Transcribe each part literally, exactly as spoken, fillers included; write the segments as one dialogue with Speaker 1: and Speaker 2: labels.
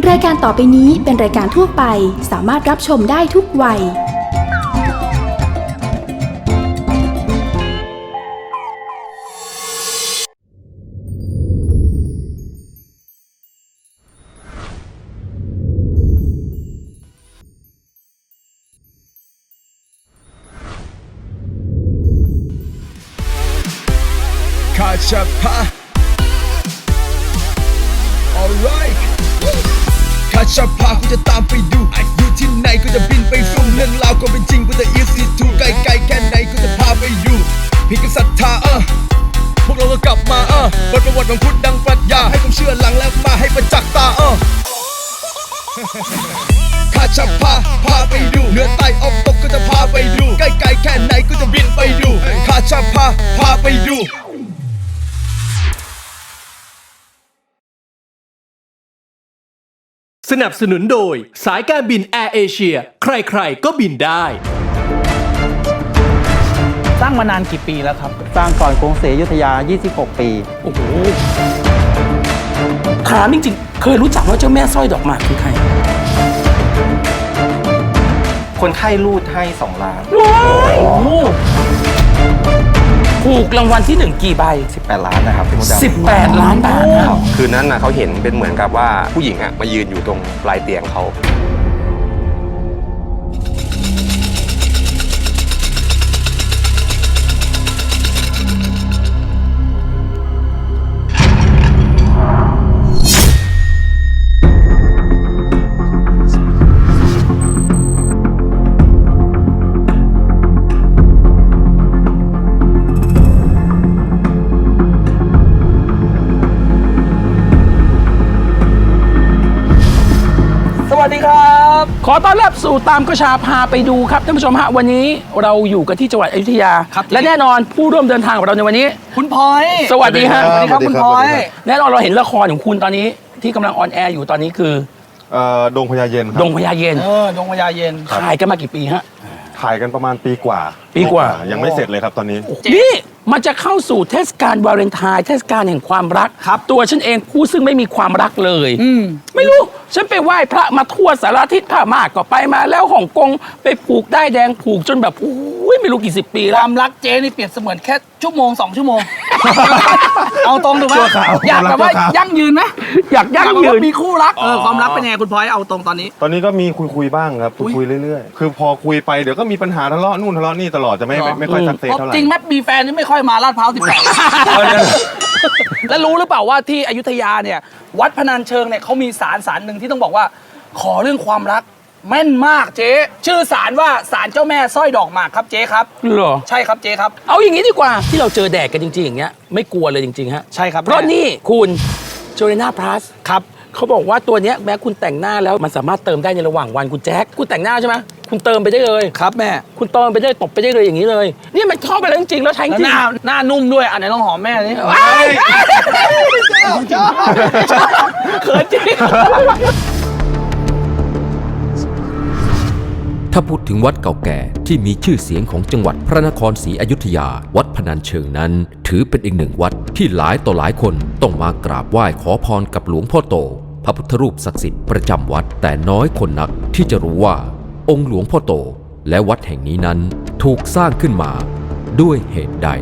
Speaker 1: รายการต่อไปนี้เป็นรายการทั่วไปสามารถรับชมได้ทุกวัย
Speaker 2: คาชาพา alright คาชาพากูจะตามไปดูอยู่ที่ไหนกูจะบินไปสู่เรื่องราวก็เป็นจริงกูจะ easy to ไกลไกลแค่ไหนกูจะพาไปอยู่พี่ก็ศรัทธาเออพวกเราก็กลับมาเออบทประวัติของคุณดังปรัชญาให้ผมเชื่อหลังแล้วมาให้ประจักษ์ตาเออคาชาพาพาไปดูเหนือใต้ออกตกก็จะพาไปดูไกลไกลแค่ไหนกูจะบินไปดูคาชาพาพาไปดู
Speaker 3: สนับสนุนโดยสายการบินแอร์เอเชียใครๆก็บินได้
Speaker 4: สร้างมานานกี่ปีแล้วครับ
Speaker 5: สร้างก่อนกรุงศรีอยุธยายี่สิบหกปี
Speaker 4: โอ้โหถามจริงๆเคยรู้จักว่าเจ้าแม่สร้อยดอกหมากคือใคร
Speaker 5: คนไข้รูดให้สองล้าน
Speaker 4: โอ้โหถูกรางวัลที่หนึ่งกี่ใบ
Speaker 5: สิบแปดล้านนะครับพี่มดดำ
Speaker 4: สิบแปดล้านบาท
Speaker 6: คืนนั้นนะเขาเห็นเป็นเหมือนกับว่าผู้หญิงอะมายืนอยู่ตรงปลายเตียงเขา
Speaker 4: สวัสดีครับขอต้อนรับสู่ตามกระชาพาไปดูครับท่านผู้ชมฮะวันนี้เราอยู่กันที่จังหวัดอยุธยาและแน่นอนผู้ร่วมเดินทางของเราในวันนี้
Speaker 7: คุณพลอย
Speaker 4: สวัสดีครับ
Speaker 7: สวัสดีครับคุณพลอย
Speaker 4: แน่นอนเราเห็นละครของคุณตอนนี้ที่กำลังออนแอร์อยู่ตอนนี้คือ
Speaker 8: เอ่อดงพญาเย็นครับ
Speaker 4: ดงพญาเย็น
Speaker 7: เออดงพญาเย็น
Speaker 4: ถ่ายกันมากี่ปีฮะ
Speaker 8: ถ่ายกันประมาณปีกว่า
Speaker 4: ปีกว่า
Speaker 8: ยังไม่เสร็จเลยครับตอนนี้
Speaker 4: นี่มันจะเข้าสู่เทศกาลวาเลนไทน์เทศกาลแห่งความรักครับตัวฉันเองผู้ซึ่งไม่มีความรักเลยไม่รู้ฉันไปไหว้พระมาทั่วสารทิศผ้ามากก็ไปมาแล้วฮ่องกงไปผูกได้แดงผูกจนแบบอุ้ยไม่รู้กี่สิบปีแล้ว
Speaker 7: ความรักเจ๊นี่เปรียบเสมือนแค่ชั่วโมงสองชั่วโมงเอาตรงถูกไหมอยากแบบว่ายั่งยืนไหม
Speaker 4: อยากยั่งยืน
Speaker 7: มีคู่รักเออความรักเป็นไงคุณพลอยเอาตรงตอนนี้
Speaker 8: ตอนนี้ก็มีคุยคุยบ้างครับคุยคุยเรื่อยๆคือพอคุยไปเดี๋ยวก็มีปัญหาทะเลาะนู่นทะเลาะนี่ตลอดจะไม่ไม่ค่อยสักเซสเท่าไหร่
Speaker 7: จริงไหมมีแฟนนี่ไม่ค่อยมาลาดพร้าวสิบแปดแล้วรู้หรือเปล่าว่าที่อยุธยาเนี่ยวัดพนัญเชิงเนี่ยเขามีศาลศาลหนึ่งที่ต้องบอกว่าขอเรื่องความรักแม่นมากเจ๊ชื่อศาลว่าศาลเจ้าแม่สร้อยดอกหมากครับเจ๊ครับ
Speaker 4: เหรอ
Speaker 7: ใช่ครับเจ๊ครับ
Speaker 4: เอาอย่างนี้ดีกว่าที่เราเจอแดดกันจริงๆอย่างเงี้ยไม่กลัวเลยจริงๆฮะ
Speaker 7: ใช่ครับ
Speaker 4: เพราะนี่คุณโจเลน่าพลัสครับเขาบอกว่าตัวเนี้ยแม้คุณแต่งหน้าแล้วมันสามารถเติมได้ในระหว่างวันคุณแจ็คคุณแต่งหน้าใช่ไหมคุณเติมไปได้เลย
Speaker 7: ครับแม่
Speaker 4: คุณเติมไปได้ตบไปได้เลยอย่างนี้เลยนี่มันเข้าไปแล้วจริงๆแล้วใช้จริง
Speaker 7: หน้าหน้านุ่มด้วยอันไหนลองหอมแม่นี่
Speaker 4: เขินจริง
Speaker 9: ถ้าพูดถึงวัดเก่าแก่ที่มีชื่อเสียงของจังหวัดพระนครศรีอยุธยาวัดพนัญเชิงนั้นถือเป็นอีกหนึ่งวัดที่หลายต่อหลายคนต้องมากราบไหว้ขอพรกับหลวงพ่อโตพระพุทธรูปศักดิ์สิทธิ์ประจำวัดแต่น้อยคนนักที่จะรู้ว่าองค์หลวงพ่อโตและวัดแห่งนี้นั้นถูกสร้างขึ้นมาด้วยเหตุใด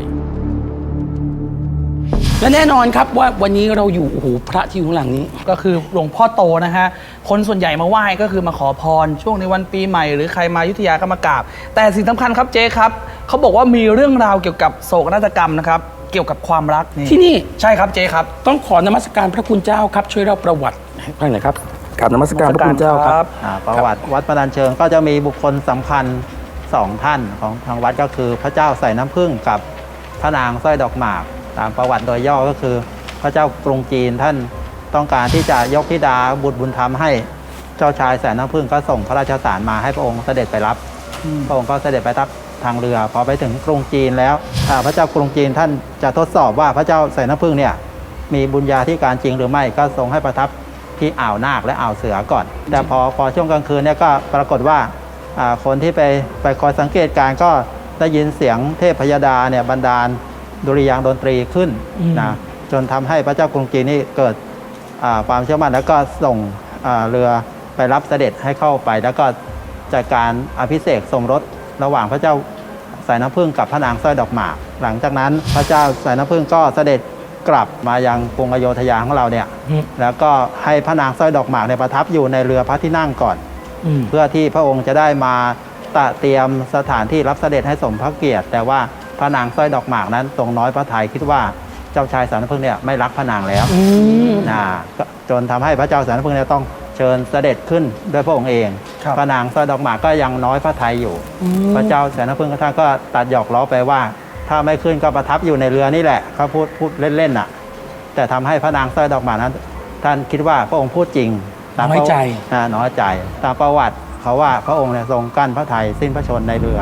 Speaker 4: และแน่นอนครับว่าวันนี้เราอยู่โอ้โหพระที่อยู่ข้างหลังนี้
Speaker 7: ก็คือหลวงพ่อโตนะฮะคนส่วนใหญ่มาไหว้ก็คือมาขอพรช่วงในวันปีใหม่หรือใครมาอยุธยาก็มากราบแต่สิ่งสำคัญครับเจ๊ครับเขาบอกว่ามีเรื่องราวเกี่ยวกับโศกนาฏกรรมนะครับเกี่ยวกับความรัก
Speaker 4: ที่นี่
Speaker 7: ใช่ครับเจ๊ครับ
Speaker 4: ต้องขอนมัสการพระคุณเจ้าครับช่วยเล่าประวัติให้ฟังหน่อยครับกราบนมัสการพระคุณเจ้าครับ
Speaker 5: ประวัติวัดพนัญเชิงก็จะมีบุคคลสำคัญสองท่านของทางวัดก็คือพระเจ้าใส่น้ำผึ้งกับพระนางสร้อยดอกหมากตามประวัติโดยย่อก็คือพระเจ้ากรุงจีนท่านต้องการที่จะยกธิดาบุตรบุญธรรมให้เจ้าชายแสนน้ำผึ้งก็ส่งพระราชสารมาให้พระองค์เสด็จไปรับพระองค์ก็เสด็จไปทับทางเรือพอไปถึงกรุงจีนแล้วพระเจ้ากรุงจีนท่านจะทดสอบว่าพระเจ้าแสนน้ำผึ้งเนี่ยมีบุญญาธิการจริงหรือไม่ก็ทรงให้ประทับที่อ่าวนาคและอ่าวเสือก่อนแต่พอพอช่วงกลางคืนเนี่ยก็ปรากฏว่าคนที่ไปไปคอยสังเกตการก็ได้ยินเสียงเทพพยดาเนี่ยบันดาลดุริยางค์ดนตรีขึ้นนะจนทำให้พระเจ้ากรุงจีนนี่เกิดความเชื่อมั่นแล้วก็ส่งอ่าเรือไปรับเสด็จให้เข้าไป แล้วก็จัดการอภิเษกสมรสระหว่างพระเจ้าสายน้ำผึ้งกับพระนางสร้อยดอกหมากหลังจากนั้นพระเจ้าสายน้ำผึ้งก็เสด็จกลับมายังกรุงอโยธยาของเราเนี่ยแล้วก็ให้พระนางสร้อยดอกหมากในยประทับอยู่ในเรือพระที่นั่งก่อนเพื่อที่พระองค์จะได้มาตระเตรียมสถานที่รับเสด็จให้สมพระเกียรติแต่ว่าพระนางสร้อยดอกหมากนั้นทรงน้อยพระทัยคิดว่าเจ้าชายสายน้ำผึ้งเนี่ยไม่รักพระนางแล้วนะจนทำให้พระเจ้าสายน้ำผึ้งเนี่ยต้องเชิญเสด็จขึ้นด้วยพระองค์เองพระนางสร้อยดอกหมากก็ยังน้อยพระทัยอยู่พระเจ้าสายน้ำผึ้งท่านก็ตัดหยอกล้อไปว่าถ้าไม่ขึ้นก็ประทับอยู่ในเรือนี่แหละเขาพูดพูดเล่นๆน่ะแต่ทำให้พระนางสร้อยดอกหมากนั้นท่านคิดว่าพระองค์พูดจริง
Speaker 4: น้อยใจ
Speaker 5: น้อยใจตามประวัติเขาว่าพระองค์เนี่ยทรงกั้นพระทัยสิ้นพระชนในเรือ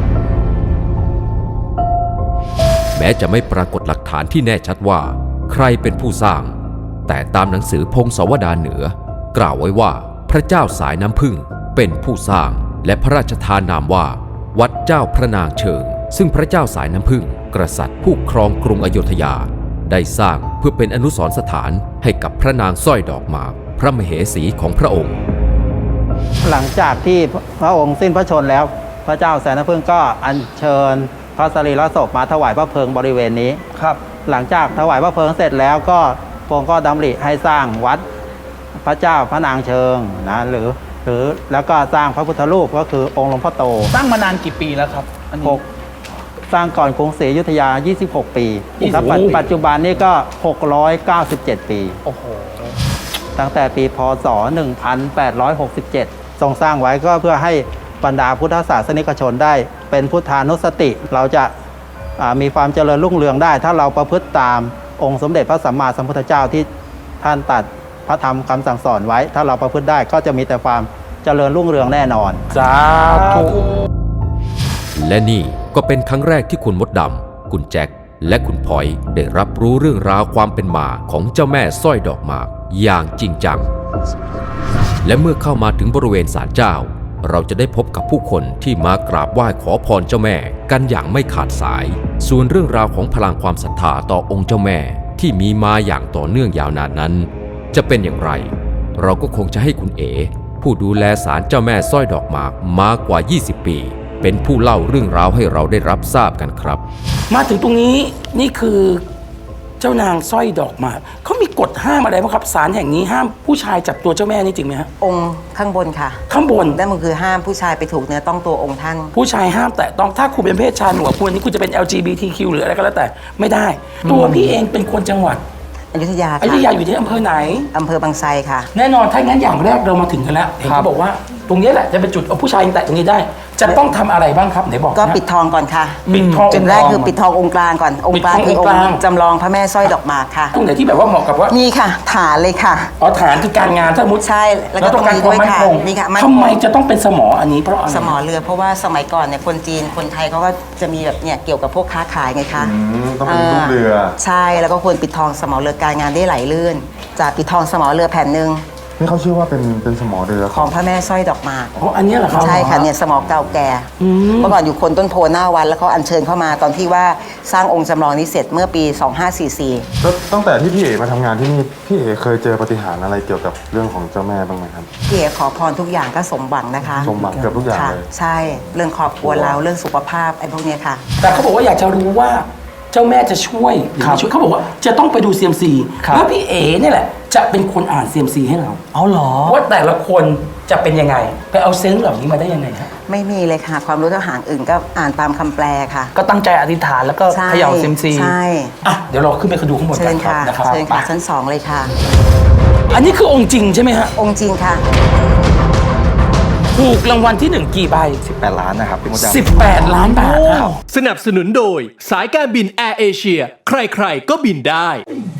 Speaker 9: แม้จะไม่ปรากฏหลักฐานที่แน่ชัดว่าใครเป็นผู้สร้าง แต่ตามหนังสือพงศาวดารเหนือกล่าวไว้ว่าพระเจ้าสายน้ำผึ้งเป็นผู้สร้างและพระราชทานนามว่าวัดเจ้าพระนางเชิงซึ่งพระเจ้าสายน้ำผึ้งกษัตริย์ผู้ครองกรุงอโยธยาได้สร้างเพื่อเป็นอนุสรณ์สถานให้กับพระนางสร้อยดอกหมากพระมเหสีของพระองค์
Speaker 5: หลังจากที่พระองค์สิ้นพระชนแล้วพระเจ้าสายน้ำผึ้งก็อัญเชิญพระสรีระศพมาถวายพระเพลิงบริเวณนี้ครับหลังจากถวายพระเพลิงเสร็จแล้วก็พระองค์ก็ดำริให้สร้างวัดพระเจ้าพระนางเชิงนะหรือหรือแล้วก็สร้างพระพุทธรูปก็คือองค์หลวงพ่อโต
Speaker 7: สร้างมานานกี่ปีแล้วครับอันนี้
Speaker 5: สร้างก่อนกรุงศรีอยุธยายี่สิบหกปีครับปัจจุบันนี้ก็หกร้อยเก้าสิบเจ็ดปีโอ้โหตั้งแต่ปีพ.ศ. หนึ่งพันแปดร้อยหกสิบเจ็ดทรงสร้างไว้ก็เพื่อให้บรรดาพุทธศาสนิกชนได้เป็นพุทธานุสติเราจะมีความเจริญรุ่งเรืองได้ถ้าเราประพฤติตามองค์สมเด็จพระสัมมาสัมพุทธเจ้าที่ท่านตรัสพระธรรมคำสั่งสอนไว้ถ้าเราประพฤติได้ก็จะมีแต่ความเจริญรุ่งเรืองแน่นอน
Speaker 4: สาธุ
Speaker 9: และนี่ก็เป็นครั้งแรกที่คุณมดดำคุณแจ็คและคุณพลอยได้รับรู้เรื่องราวความเป็นมาของเจ้าแม่สร้อยดอกหมากอย่างจริงจังและเมื่อเข้ามาถึงบริเวณศาลเจ้าเราจะได้พบกับผู้คนที่มากราบไหว้ขอพรเจ้าแม่กันอย่างไม่ขาดสายส่วนเรื่องราวของพลังความศรัทธาต่อองค์เจ้าแม่ที่มีมาอย่างต่อเนื่องยาวนานนั้นจะเป็นอย่างไรเราก็คงจะให้คุณเอ๋ผู้ดูแลศาลเจ้าแม่สร้อยดอกหมากมากว่ายี่สิบปีเป็นผู้เล่าเรื่องราวให้เราได้รับทราบกันครับ
Speaker 4: มาถึงตรงนี้นี่คือเจ้านางสร้อยดอกหมากเขามีกฎห้ามอะไรบ้างครับศาลแห่งนี้ห้ามผู้ชายจับตัวเจ้าแม่นี่จริงไหมฮะ
Speaker 10: องค์ข้างบนค่ะ
Speaker 4: ข้างบน
Speaker 10: นั่นมันคือห้ามผู้ชายไปถูกเนื้อต้องตัวองค์ท่าน
Speaker 4: ผู้ชายห้ามแต่ต้องถ้าคุณเป็นเพศชายหนูกับคุณนี่คุณจะเป็น แอล จี บี ที คิว หรืออะไรก็แล้วแต่ไม่ได้ตัวพี่เองเป็นคนจังหวัด
Speaker 10: อยุธยา
Speaker 4: อยุธยาอยู่ที่อำเภอไหน
Speaker 10: อำเภอบางไทรค่ะ
Speaker 4: แน่นอนถ้างั้นอย่างแรกเรามาถึงกันแล้วเห็นเขาบอกว่าตรงนี้แหละจะเป็นจุดเอาผู้ชายแตะตรงนี้ได้จะต้องทำอะไรบ้างครับไหนบอก
Speaker 10: ก็ปิดทองก่อนค่ะ
Speaker 4: ปิดทอง
Speaker 10: จุดแรกคือปิดทององค์กลางก่อนองค์กลางคือองค์จำลองพระแม่สร้อยดอกหมากค่ะ
Speaker 4: ตรงไหนที่แบบว่าเหมาะกับว่า
Speaker 10: นี่ค่ะฐานเลยค่ะ
Speaker 4: อ๋อฐานคือการงานถ้ามุด
Speaker 10: ใช่แล้วก็ตรงนี้ด้วยค่ะนี่ค่ะ
Speaker 4: ทำไมจะต้องเป็นสมออันนี้เพราะ
Speaker 10: สมอเรือเพราะว่าสมัยก่อนเนี่ยคนจีนคนไทยเขาก็จะมีแบบเนี่ยเกี่ยวกับพวกค้าขายไงคะ
Speaker 8: ต้องเป็นลูกเรือ
Speaker 10: ใช่แล้วก็ควรปิดทองสมอเรือการงานได้ไหลลื่นจากปิดทองสมอเรือแผ่นหนึ่ง
Speaker 8: นี่เขาชื่อว่าเป็นเป็นสมอเรือ
Speaker 10: ของพระแม่สร้อยดอกหมาก
Speaker 4: อ๋ออันนี้เหรอครับ
Speaker 10: ใช่ค่ะเนี่ยสมอเก่าแก่เมื่อก่อนอยู่คนต้นโพหน้าวัดแล้วเขาอัญเชิญเข้ามาตอนที่ว่าสร้างองค์จำลองนี้เสร็จเมื่อปีสองห้าสี่สี่
Speaker 8: แล้วตั้งแต่ที่พี่เอ๋มาทำงานที่นี่พี่เอ๋เคยเจอปาฏิหาริย์อะไรเกี่ยวกับเรื่องของเจ้าแม่บ้างไหมครับ
Speaker 10: พี่เอ๋ขอพรทุกอย่างก็สมหวังนะคะ
Speaker 8: สมหวังเกือบทุกอย่างเลย
Speaker 10: ใช่เรื่องครอบครัวเราเรื่องสุขภาพไอ้พวกนี้ค่ะ
Speaker 4: แต่เขาบอกว่าอยากจะรู้ว่าเจ้าแม่จะช่วยหรือไม่ช่วยเขาบอกว่าจะต้องไปดู ซี เอ็ม ซี แล้วพี่เอ๋เนี่ยแหละจะเป็นคนอ่าน ซี เอ็ม ซี ให้เรา
Speaker 7: เอาเหรอ
Speaker 4: ว่าแต่ละคนจะเป็นยังไงไปเอาเซนส์เหล่านี้มาได้ยังไงฮะ
Speaker 10: ไม่มีเลยค่ะความรู้ทหารอื่นก็อ่านตามคำแปลค่ะ
Speaker 7: ก็ตั้งใจอธิษฐานแล้วก็เขย่า ซี เอ็ม ซี
Speaker 10: ใช่
Speaker 4: อ่ะเดี๋ยวเราขึ้นไปดูข้างบนกัน
Speaker 10: ครับนะครับเชิญค่ะชั้นสองเลยค่ะ
Speaker 4: อันนี้คือองค์จริงใช่ไหมฮะ
Speaker 10: องค์จริงค่ะ
Speaker 4: ถูกรางวัลที่หนึ่งกี่ใบ
Speaker 8: สิบแปดล้านนะครับพี่มดดำ
Speaker 4: สิบแปดล้านบาท
Speaker 3: สนับสนุนโดยสายการบินแอร์เอเชียใครๆก็บินได้